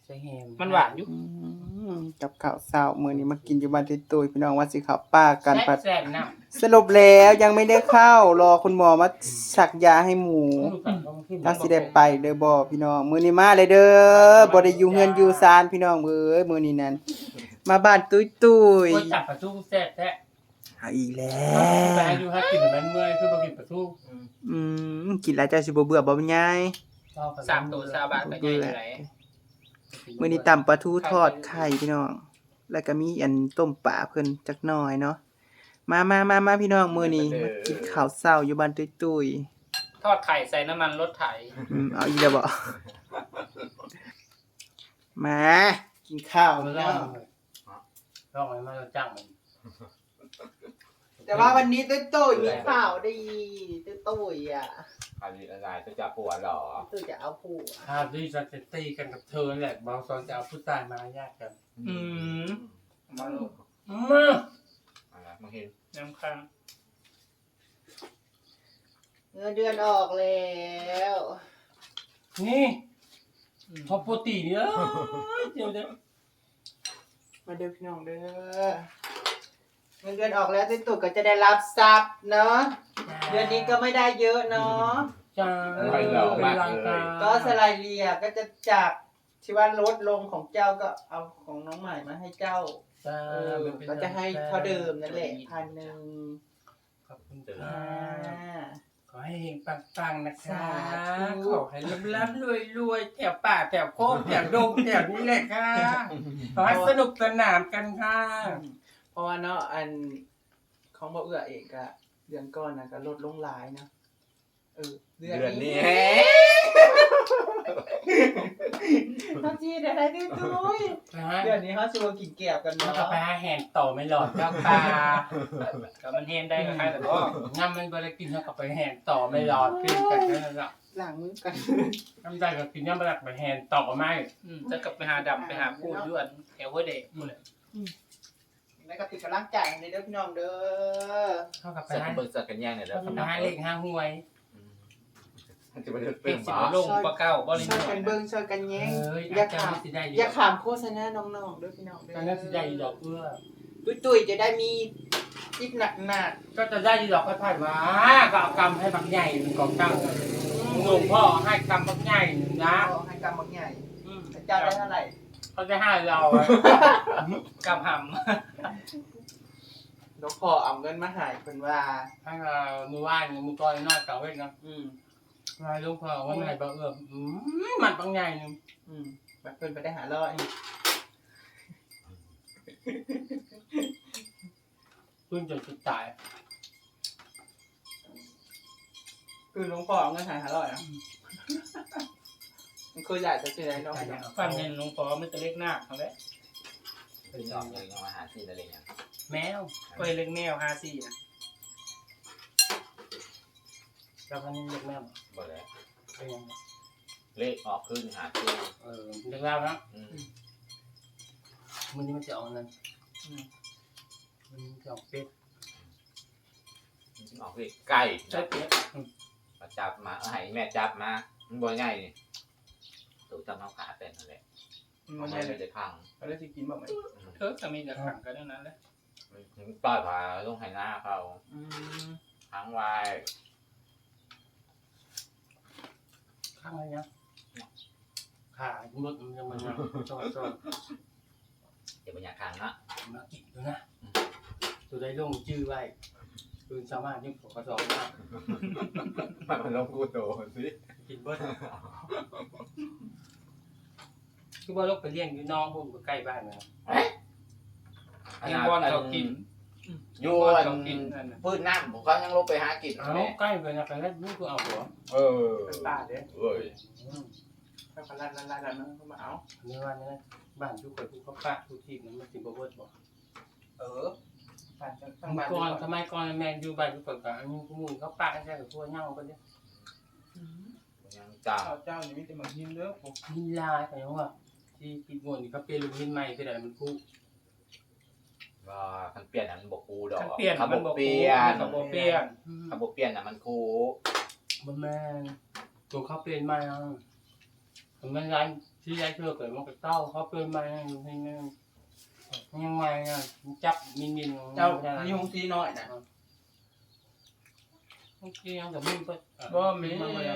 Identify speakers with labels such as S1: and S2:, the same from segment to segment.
S1: ส่แฮม
S2: มันหวานอยู่
S3: กับข้าวเช้ามื้อนี้มากินอยู่บ้านตุ้ยๆพี่น้องว่าสิเข้าป่ากันปัด
S1: แซ่บๆนะ
S3: สรุปแล้วยังไม่ได้เข้ารอคุณหมอมาสักยาให้หมูจักสิได้ไปเด้อบ่พี่น้องมื้อนี้มาเลยเด้อบ่ได้อยู่เฮือนอยู่ศาลพี่น้องเอ้ยมื้อนี้นั่นมาบ้านตุ้ย
S1: โอ้ยจับปลาทูแซ่บแท้
S3: ๆเอาอีกแล้
S1: ไป
S3: ว
S1: อยู่หากินมันเมื่อยคือบ่กินปลาทู
S3: กินแล้วเจ้าสิบ่เบื่อบ่ยาย
S2: 3 ตัว20 บาทก็ใหญ่อยู่ไหน
S3: มื้อนี้ตำปลาทูทอดไข่พี่น้อง แล้วก็มีอันต้มปลาเพิ่นจักหน่อยเนาะมาพี่น้องมื้อนี้มากินข้าวเช้าอยู่บ้านตุ้ย
S2: ทอดไข่ใส่น้ำมันรถไถ
S3: เอาอีกแล้วบ่มากินข้าว
S1: เอามา
S3: พี่
S1: ล
S3: น้
S1: อ
S3: อง ง
S1: ลองให้มาจ้างมัน
S3: แต่ว่าวันนี้ตุ้ยมีข่าวดีตุ้ยอ่ะ
S4: อะไรจะจับปวดหรอ
S3: ตุ้ยจะเอาผัว
S1: ถ้าที่จะตีกันกับเธอแหละบางตอนจะเอาผู้ชายมาแยกกัน
S2: มาลูก
S1: มา
S4: อะไรมึงเห็น
S2: น้ำค้าง
S3: เงินเดือนออกแล้ว
S1: นี่พอปกติเนี่ยเดี๋ยว
S3: มาเด้อพี่น้องเด้อเงินเดือนออกแล้วตุ้ยก็จะได้รับทรัพย์เนาะเดือนนี้ก็ไม่ได้เยอะเนาะ
S1: จ้าเป็นรางการ
S3: ก็สไลเลียก็จะจากที่ว่าลดลงของเจ้าก็เอาของน้องใหม่มาให้เจ้า
S1: จ้า
S3: ก็จะให้เท่าเดิมนั่นแหละ1,000
S1: ขอบคุณค่ะ
S3: อ่า
S1: ขอให้เฮงปังๆนะคะ
S3: สาธุ
S1: ขอให้ร่ำรวยแถวป่าแถวโคกแถวดงแถวนี้เลยค่ะขอให้สนุกสนานกันค่ะ
S3: เพราะว่าเนาะอันของบ่เอื้อเองก็เดือนก่อนน่ะก็ลดลงหลายเนาะเดือน
S4: เดือนนี้
S3: ต้องจีได้ได้ตุ้ยเดือนนี้เฮาสิบ่กินแก้วกัน
S1: แล้ว
S3: เนาะ
S1: ก็ไปหาแหนต่อไม่หลอดเจ้าป่า
S2: ก็มันเฮมได้ก็ใครแต่ก็
S1: น้ำมันบริกินแล้วก็ไปแหนต่อไม่หลอดกินกันนั่นแหละ
S3: ล้างมือกัน
S1: น้ำใจก็กินน้ำมันไปแหนต่อไม่
S2: จะกลับไปหาดำไปหาพูดยวนแถวหัวเด็กพูดเลย
S3: แล้วก็เป็นกำลังใจให้เด้อพี่น้องเด้อ
S1: เข้ากับไป
S4: สัก
S1: หา
S4: เบิกสักกันแย่งเนี่ยแล้ว
S1: ไปหาเลขห้าหวย
S4: จะไปเลือก
S2: เป็
S4: เติ
S2: น
S4: ม
S2: สิ
S4: บ่
S2: บลงปลาเก้าบ่ลิ
S3: ช่วยกันเบิ่งช่วยกันแย้งอย่าขาม
S1: สิได้
S3: อย่าขามโฆษณาน้องๆเด้อพี่น้องเด้อ
S1: การนั้นสิได้ดอกเอื้อ
S3: ตุ้ยๆจะได้มีคลิปหนัก
S1: ก็จะได้ดอกก็ถ่ายว่าก็เอากำให้บักใหญ่หนึ่งกองตั้งหลวงพ่อให้กำบักใหญ่หนึ่งนะ
S3: ๆให้กำบักใหญ่เจ้าได้เท่าไหร่
S1: เขาจะให้เรา
S2: กำห
S3: นกพ่อเอาเงินมาใหายเพิ่นว่า
S1: ให้เรามือว่านมือก้อยน้อยเก่าเว้ยนะ
S3: อืม
S1: ลายลูกพ่อว่าไม่บักเอื้อมันบักใหญ่หนึ่ง
S3: แบบเพิ่นไปได้หาร้อย
S1: เพิ่งจนสุดตาย
S3: คือหลวงพ่อเอาเงินหาร้อยอ่ะมันเคยใหญ่จะสิได้น้อง
S2: ำฟันเห็นหลวงพ่อไม่จะเล็กหน้าเขาเลย
S4: เป็นสองเลยยังมาหาซีอะไรอย่าง
S2: แมวไปเล็กแมว54นะ
S1: แล้วพันนี้เล็กแม่
S4: บ่เลย
S1: เป็นยังไง
S4: เลขออกขึ้นหาซี
S1: เล็กแล้วนะมันนี้มันจะออกนั่นมันจะออกเป็ด
S4: ออกเลขใกล้
S1: ใช่เป็ด
S4: มาจับมาให้แม่จับมามันบ่ง่ายนี่ถูกจับน้องขาเป็นนั่นแหละมันไม่ได้พัง
S3: เขาได้สิกินบ่ไหม
S2: เธอจะมีแต่ขังกันเท่านั้นแหละ
S4: ต้อยผาต้องให้หน้าเขาทั้งวาย
S1: ข้างอะไรเนี่ยขาหมดมันจะมันจอด
S4: เดี๋ยวมันอยากขังนะ
S1: มากินดูนะตัวได้ลงชื่อไว้คืนสามารถยิ่งกระสอบมาก
S4: มันลงกูโตสิ
S1: กินเบิ้ลคือว่าลูกไปเลี้ยงอยู่น้องผมก็ใกล้บ้านนะ
S2: เฮงบอลเขากิน
S4: ยวนพืชน้ำผมก็ยังลงไปหากิน
S1: เอาใกล้ไปนะไปแล้วนี่คือเอาหัว
S3: เป็นป้าเด้อ
S4: เอ้ย
S3: ถ้าเขาลั่นเขามาเอา
S1: เนื้อวันนี้บ้านทุกคนทุกเขาปะทุกทีมันกินบ่เบิ้ลบอก
S3: บ้านทั้ง
S1: เมื่
S3: บ้า
S1: อน ก่อนทำไมก่อนแมนอยู่บ้านทุกคนก็อันนี้กูมูลเขาปะใช่กับพวกเน่ากันเนี่ย
S4: ยังจ้า
S3: เจ้านี่มีแต่มาหินเด้อผม
S1: หินลายอะไรวะที่ปิดงวนนี่เขาเปลี่ยนลูกหินใหม่คืออะไรมันกู้
S4: ว่าคันเปลี่ยนอันบกคูดอก
S2: เปลี่ยน
S4: เขา
S2: มัน
S4: บบ
S2: อก
S4: เปลี่ยน
S2: เขาบอกเปลี่ยน
S4: เขาบกเปลี่ยนอ่ะมันคู
S1: บ่แม่นตัวเขาเปลี่ยนใหม่อ่ะมันร้านที่ยายเชื่อเกิดมันก็เต้าเขาเปิดมาอยู่ให้นั่นยังไงอ่ะจับมิน
S3: เจ้านี่หงสีน้อยนะ
S1: บางทียังกับมินก็
S3: บ่มีน้อย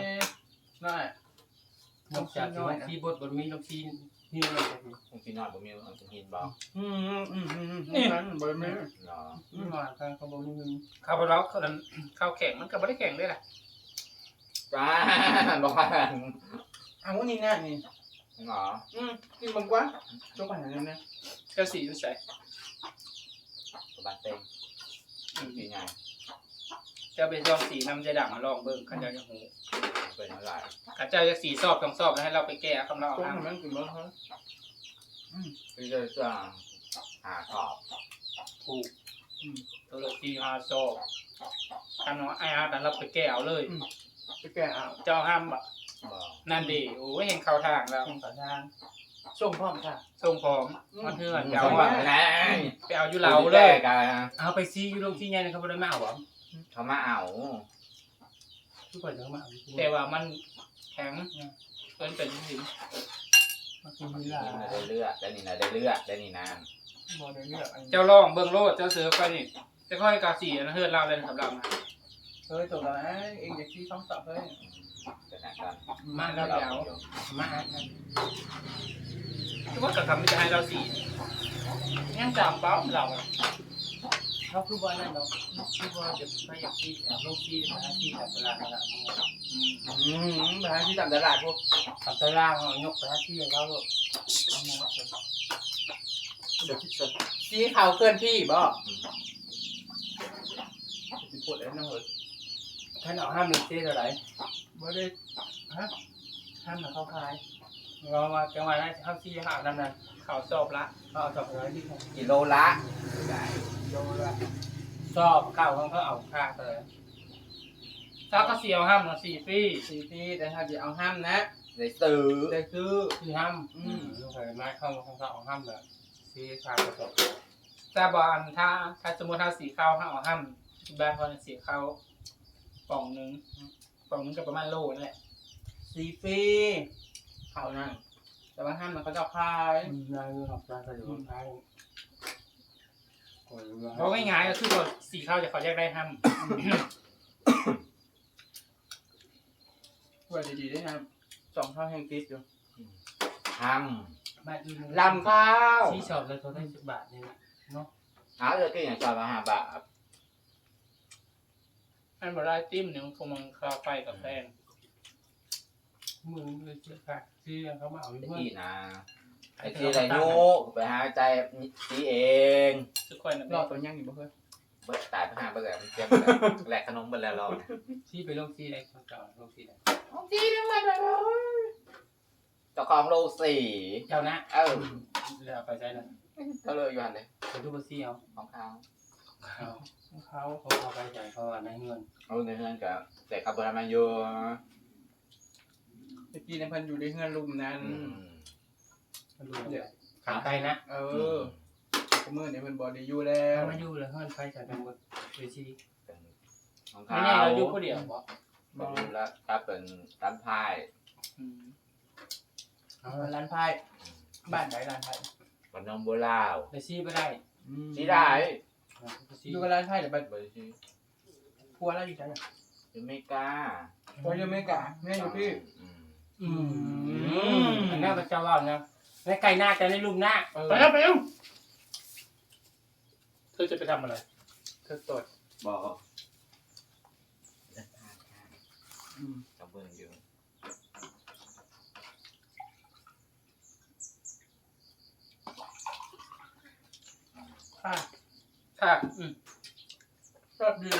S1: นอกจากที่บดมีลูกซีนี่เลย
S4: คงกินนอนบ่มีคงกินบ่
S3: นี่มันบ่มี
S4: เนาะ
S1: นี่มาทางขบวนนึง
S2: ข้าวเราข้าวแข็งมันก็ไม่ได้แข็งด้วยแหละ
S4: จ้าบ่ว่า
S3: เอานี่นะนี่
S4: เนาะ
S3: กินมันกว่าจงไปหาเนี่ย
S2: เจ้าสีอยู่ใส่
S4: สบายเต็มกินไง
S2: เจ้าไปลองสีน้ำจะดังมาลองเบิ่งข้าเจ้าจะหู
S4: เป็นอะไร
S2: ข้าเจ้าจะสีสอบต้องสอบแล้วให้เราไปแก้คำเรา
S3: จง
S2: อ่าน
S3: มันกินมันเฮ้ย
S4: พี่จะหาขอบ
S2: ถูกตัวละสีหาสอบกันว่าไอ้อาร์ตเราไปแก้เอาเลย
S3: ไปแก่เอา
S2: เจ้าห้ามแบบ
S4: บ่
S2: นั่นดีโอ้ยเห็นเข้าทางแล้ว
S3: ต่อทางส่งพร้อมค่ะ
S2: ส่งพร้อมมันเถื่อน
S4: เดี๋
S2: เดี๋
S4: ย
S2: ยว ว
S4: ว่า
S2: ว่า
S4: ไง
S2: ไปเอาอยู่เราเลย
S4: กัน
S1: เอาไปซีอยู่โรงซีใหญ่เขาบ่ได้มาเอาบ่
S4: เขามาเอา
S1: ทุกคนจะมาเอา
S2: แต่ว่ามันแข็งเกินเป็นสิ
S1: มากินเว
S4: นี่
S1: ลา
S4: นะได้เลือดได้นี่นะได้เลือดได้นี่นาน
S1: บ่ได้เลือกอัน
S2: เจ้าลองเบิ่งโลดเจ้าเสือไปนี่จะค่อยกาสีนะเฮือนเราเลยสำหรับ
S3: เฮ้ยจบแล้วเองจะขี้ท้องสับเฮ้ย
S4: จะหนักกัน
S1: มาแล้วเดี๋ยวมาอันนั้น
S2: ทุกคนก็ทำไม่จะให้เราสียังจำเป้าเรา
S1: เขาคือว่านั่นเนาะคือว่าจะไปอยากที่โรงซีมาที่กับเวลาเวลา
S3: ไปหาที่ตามตลาดพวก
S1: ทำตารางยกไปที่เขาลูก
S3: เดี๋ยวคิดสดสีขาวเคลื่อนที่บ่สิปวดแล้วนะเฮ้ย
S1: ท่านเอาห้ามลูกซีเท่าไหร่
S3: บ่ได้ฮะห้ามมาเข้าคาย
S1: เรามาจังหวะนั้นเขาซีหานั่นน่ะ
S2: เขาสอบละ
S1: เขาเอาสอบอะไรที่เขา
S4: กิโลละ
S1: โยนละสอบข้าวเขาเอาค่าเลย
S2: ถ้าก็เสียวห้ามมา4 ปี
S3: 4 ปีแต่ถ้าจะเอาห้ามนะ
S4: ได้ซื้อ
S3: ได้ซื้อ
S1: คือห้ามลูกเคยมาเข้าเขาเอาห้ามแบบซีค่าประสบ
S2: แต่บอลถ้าสมมติถ้าสีข้าวห้าเอาห้ามบ้านเขาสีข้าวป่องหนึงก็ประมาณโลนั่นแหละ
S3: 4 ปีเขานั่นแต่ว่าห้ามมันเขาจะเอาคาย
S1: นายหับนายกระโดดท้าย
S2: เพราะง่ายๆก็คือว่าสีข้าวจะเขาแยกได้ห้าม
S3: ว่าดีๆได้นะ2 เท่าแห่งติดอยู่
S4: ท
S1: บ้านอื่น
S3: ลำข้าว
S1: ซีสอบเลยเขาได้10 บาทนี่เนาะ
S4: ำเอาจะกินอย่างจอยมา5 บาท
S2: อันบได้ติ้มหนึ่งคงมันคาไฟกับแฟน
S1: มือเลยเชื่อค่ะซีเขามาเอา
S4: ไอ้
S1: เพื่อน
S4: ที่นะไอ้ที่ไรนูไปหาใจสีเอง
S2: ทุกคนนะ
S3: รอตัวยังอยู่บ่เฮ้ย
S4: เบิดตายไปหาเบิดแล้วเตรียมแหลกขนมเบิดแล้วรอ
S1: ซีไปลงซีไหนเก่าลงซีไหน
S3: จีนึงมาเลย
S4: เจ้าของโลสี
S1: เจ้านะ
S4: เออ
S1: แล้วไปใช้นะ
S4: ก็เลยอยู่หันเลย
S1: ไปดูบซีเอา
S4: ของเขา
S1: เขาไปใส่เขาในเงิน
S4: เอาในเฮือนกับแต่ขับรถมาอยู่
S3: ตะกี้ในพันอยู่ในเฮือนลุมนั้น
S1: ดูขาไกลนะ
S3: มือเนี่ยมันบ่ได้อยู่แล้ว
S1: มาอยู่แล้วเงินไปใส่เป็นหมดเวที
S4: ของ
S2: ไม่
S4: เขา
S2: แน่เราอยู่คนเดียวบอก
S4: บอกแล้วก็เป็นร้านพาย
S1: เอา
S3: ร้านไพ่บ้านไหนร้านไพ่
S4: ขนมโบราณ
S1: ไปซีไปได้
S4: สีได้
S3: อยู่กับร้านไพ่เดี๋ยวไป
S4: เบอร์ชี
S3: พัวแล้วอยู่ไหน
S4: ยูเมกา
S3: พัวยังไม่กะแม่อยู่พี่
S1: อันนั้นเป็นเจ้าว่านะในไก่หน้าจะในลุมหน้า
S2: ไปแล้วไปแล้วเธอจะไปทำอะไร
S3: เธอตด
S4: บอกกับเบอร์อยู่
S3: ค่ะ
S2: ค่ะ
S3: ชอบดี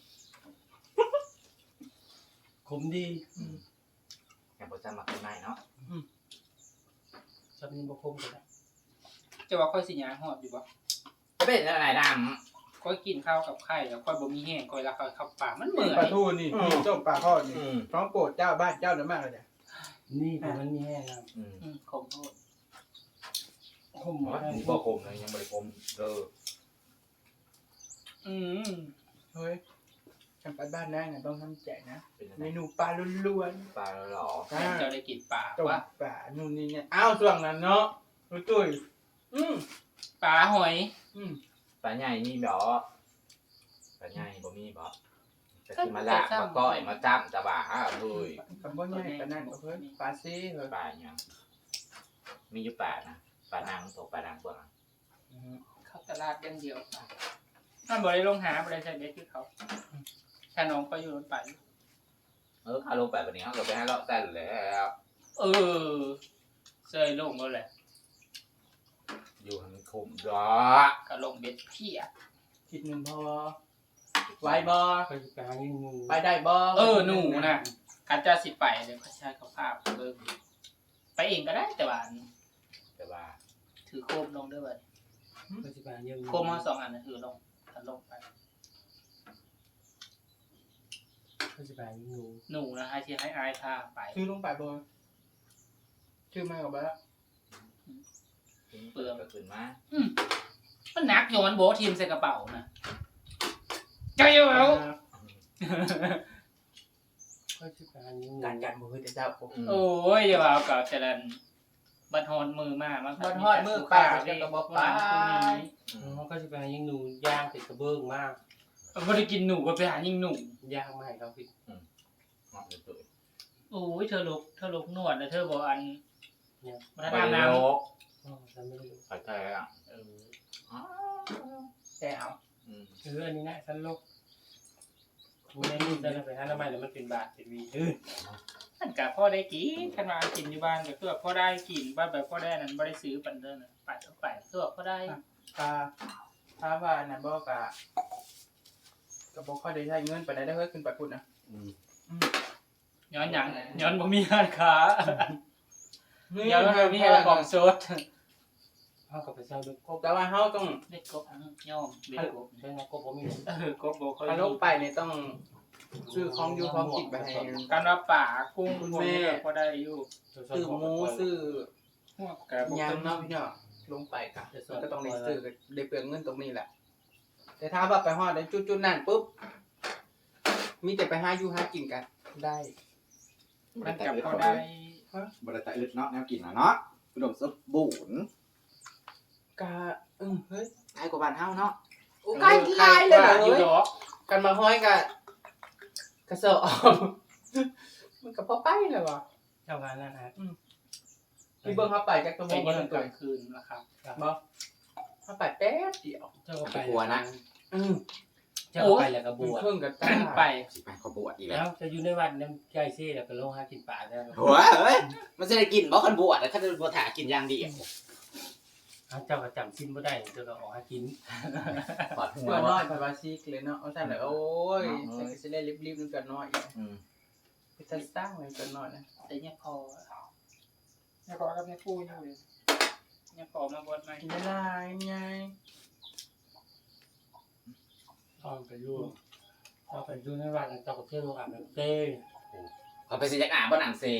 S1: ขมดี
S4: แอบประจำมาเป็นไงเนาะ
S1: ชอบนินบคมกัน
S2: จะว่าค่อยสิญญาหอดอยู่บ่
S4: จะเป็นอะไรด
S2: ค่อยกินข้าวกับไข่แล้วค่อยบ่มีแห้งค่อยรักข้าวปลามันเหมือน
S3: ปลาทูนี่เจ้าปลาทอดนี่
S4: ำ
S3: ท้องโปรดเจ้าบ้านเจ้าเนื้อมากเลยเนี่ย
S1: นี่แต่มันมีแห้งนะ
S2: ขมโทษ
S1: ขม
S4: นี่บ่คมเลยยังไม่ได้คมเออ
S3: เฮ้ยทำไปบ้านได้นะต้องทำแจกนะ
S4: เป็นยัง
S3: เม
S4: ไง
S3: นูปลาล้วน
S4: ปลาหล่อ
S3: ๆ
S2: แม่เจ้าได้กินปลา
S3: ต้ม
S2: ว่า
S3: ปลานู่นนี่เนี่ยอ้าวส่วนนั้นเนาะตุ้ยอืม
S2: ปลาหอย
S3: อืม
S4: ปลาใหญ่มีบ่ปลาใหญ่บ่มีบ่จะกินมาลากมาก้อยมาจ้ำตะบ่าเฮ้ย
S3: กับบ่ใหญ่ปานนั้นก็เพิ่นปลาซี่เหรอ
S4: ปลาอย่างมีอยู่ปลานะปลานางตกปลานางเปล่า
S2: เข้าตลาดอย่างเดียวถ้าบ่ได้ลงหาบ่ได้ใช้เบ็ดคือเขาถ้าน้องก็อยู่รถไป
S4: ข้าลงไปวันนี้เขาก็ไปให้เลาะแต่แล้ว
S2: เออเซยลงแล้วแหละ
S4: อยู่ให้มันคุ้มดอก
S2: ก็ลงเบ็ดเพีย
S3: คิดหนึงพอไหวบ่
S1: ไปกลางยิงงู
S3: ไปได้บ่
S2: หนูน่ะการจะสิไปเดี๋ยวเขาใช้เขาภาพเบิ่งไปเองก็ได้แต่ว่า
S4: แต่ว่า
S2: ถือโคมลงด้วยเว้ย
S1: ไปกลางยิงงู
S2: โคมมา2 อันน่ะถือลงถ้าลงไป
S1: ไปกลางยิงงู
S2: หนูนะให้ที่ให้อายพาไป
S3: ชื่อลงไปบ่ชื่อมากับบ่ละ
S4: เปลือกก็ขึ้นมา
S2: มันหนักอยู่มันโบะทีมใส่กระเป๋านะเจ้าอยู่แล้ว
S1: ไปกลางยิงงู
S3: การบ่คือแต่เจ้าผม
S2: โอ้ยอย่าว่าเอากับเจริญบัดฮอนมือมามัน
S3: บ่ฮอดมือไปก็บ่ไป
S1: เขาก็จะไปยิงงูย่างติดกระเบื้องมาก
S2: บ่ได้กินหนูก็ไปหายิงหนู
S1: ย่างไม่เขาพี่
S4: เหมาะเลยตัว
S2: โอ้ยเธอลุกนวดนะเธอบอกอัน
S1: เนี่ย
S2: มัน
S4: ไป
S2: น้ำ
S4: โล
S2: น้ำ
S4: ก
S1: ฉันไม่รู้
S4: ไปแท้อ่ะ
S3: แต่เอา
S1: อันนี้นะฉันลกไม่ได้จะไปหาทำไมแล้วมันเป็นบาทเป็นวี
S2: มันกับพ่อได้กินขันมากินอยู่บ้านก็คือพ่อได้กินบ้านแบบพ่อได้นั้นบ่ได้ซื้อปันเดินน่ะไปเท่าไปคือพ่อได้
S3: ถ้าว่าน่ะบ่ก็บ่ค่อยได้ใช้เงินปานใดได้เฮ้ยขึ้นไปพุ่นนะ
S2: ย้อนหยังย้อนบ่มีร้านค้าย้อนบ่มีของสด
S1: เขากับไปเช่าด้วย
S3: แต่ว่าเฮาต้อง
S2: เด็กกบย่อมเด็กกบ
S1: ใช่ไหมก็ผมมี
S2: กบบ่ค่อย
S3: ถ้าลงไปนี่ต้องซื้อของอยู่ของกินไปให้
S2: การว่าป่ากุ้งพวกนี้ก็ได้อยู่
S3: ซื้อหมูซื้อ
S2: พวกกระบอก
S3: หยังเนาะพี่น้องลงไปก็ก็ต้องได้ซื้อได้เปลืองเงินตรงนี้แหละ แต่ถ้าว่าไปฮอดได้จุดๆนั่นปุ๊บมีแต่ไปหาอยู่หากินกันได้
S2: มันกับพ่อได้
S5: บริษัทอึดเนาะแนวกินเนาะอุดมสมบูรณ์
S3: กะเฮ้ย
S5: ใกล้กว่าบ้านเฮาเนาะ
S3: โอ้ใกล้หลายเลยเหรอ
S2: อยู่
S3: เฮ้ย
S2: ดอก
S3: กันมาห้อยกะกระเซาะออก มันก็พอไปแล้วว่ะ
S1: เจ้างานนั่นฮะ
S3: พี่เบิ่งเขาไปจักตัวโม
S2: แต่
S3: ง
S2: ยั
S3: นึ
S2: ง
S3: ง
S2: ก
S3: ตั
S2: ลาว งคืนนะครับ
S3: บ่เขาไปแป๊บเดียว
S1: เจ้าก็ไป
S3: อือ
S1: เจ้าก็ไปแล้วก็บวช
S3: เครื่องกับตา
S2: ไป
S5: สิไปขอบวชอีกแล้
S1: แล้ว วจะอยู่ในวัดน้ำใจเซ่แล้วก็ลงหากินป่าได้
S5: หัวเอ้ยมันจะได้กินบ่คันบวชแล้วคันบ่ถากินอย่างเดียว
S1: เจ้าก็จำสิ้นบ่ได้เจ้าก็ออกหากิน
S5: ปอดหัว
S3: เพื่อนน้อยไปว่าซีกเลยเนาะเอาซั่นแหละโอ้ยใส่ก็สิได้รีบๆนึงกันน้อยอีก
S5: อืม
S3: ไปสร้างไว้กันน้อยนะ
S2: แต่เนี่ยพอเนี่ยพอกับเนี่ยพูดอยู่เลยเนี่ยพอมาบวชใหม่
S3: กินได้หลายไง
S1: ต้องไปอยู่ต้องไปอยู่ในวัดเจ้าก็เที่ยวลงอาบน้ำเซ่
S5: เขาไปสิจักอาบ่หนังเซ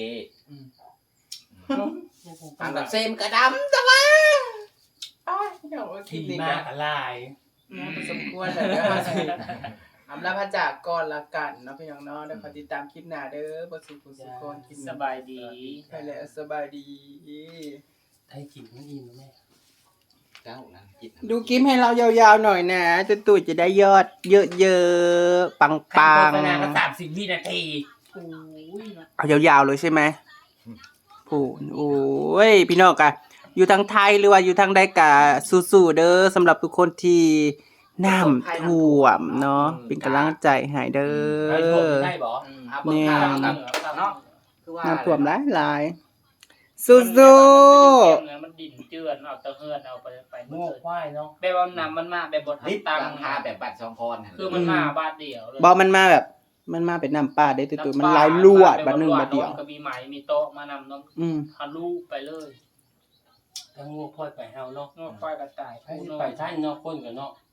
S1: ตา
S5: อั
S1: ม
S5: น
S1: แบ
S5: ดั
S1: บบ
S5: เซมนก็ดำจังวะ
S3: อ้ายเดี๋ยวคลิ
S1: ขี่
S3: ปนี้
S1: มา
S3: ก็
S1: กอะไร
S3: เนี่ยสมควรแล้วเด้อสิอำลาพระจากก่อนละกันเนาะพี่น้องเนาะเดี๋ยวขอติดตามคลิปหน้าเด้อบ่สุขสุขคนกิน
S2: สบายดี
S3: ไปแล้วสบายดี
S1: ไทยกินมันอิ่มแม่
S5: เจ้านั่นกิน
S3: ดูคลิปให้เรายาวๆหน่อยนะตู่จะได้ยอดเยอะๆปัง
S1: โฆษณาก็30 วินาที
S2: โอ้ยนะ
S3: ๆเอายาวๆเลยใช่ไหมผู้โอ้ยพี่น้องกะอยู่ทางไทยหรือว่าอยู่ทางใดกะสู้ๆเด้อสำหรับทุกคนที่น้ำท่วมเนาะเป็นกำลังใจให้เด้
S1: ไอ้พวก
S3: อ
S1: ได้บ่
S5: เอาเบิ่งข้าวกันเนาะคือว่า
S3: น้ำท่วมหลายๆสู้
S2: มันดิ่นเจือนเอาตะเฮือนเอาไป
S1: โง่ควายเนาะ
S2: แบบว่าน้ำมันมาแบบบด
S5: ลิฟ
S2: ตัง
S5: หลังคาแบบบัตร2พร
S2: คือมันมาบาทเดียวเลย
S3: ๆบอมันมาแบบมันมาเป็นน้ำป่าได้อตู่มันหลายลวดบัดหนึงบัดเดียว
S2: ก็มีไหมมีโต๊ะมานำน้อง
S3: อืม
S2: ทะลุไปเลย
S1: ทั้งโง่ควายไปเฮาเนาะ
S2: งอกควายกระต่าย
S1: ไปท่านเนาะคนกันเนาะ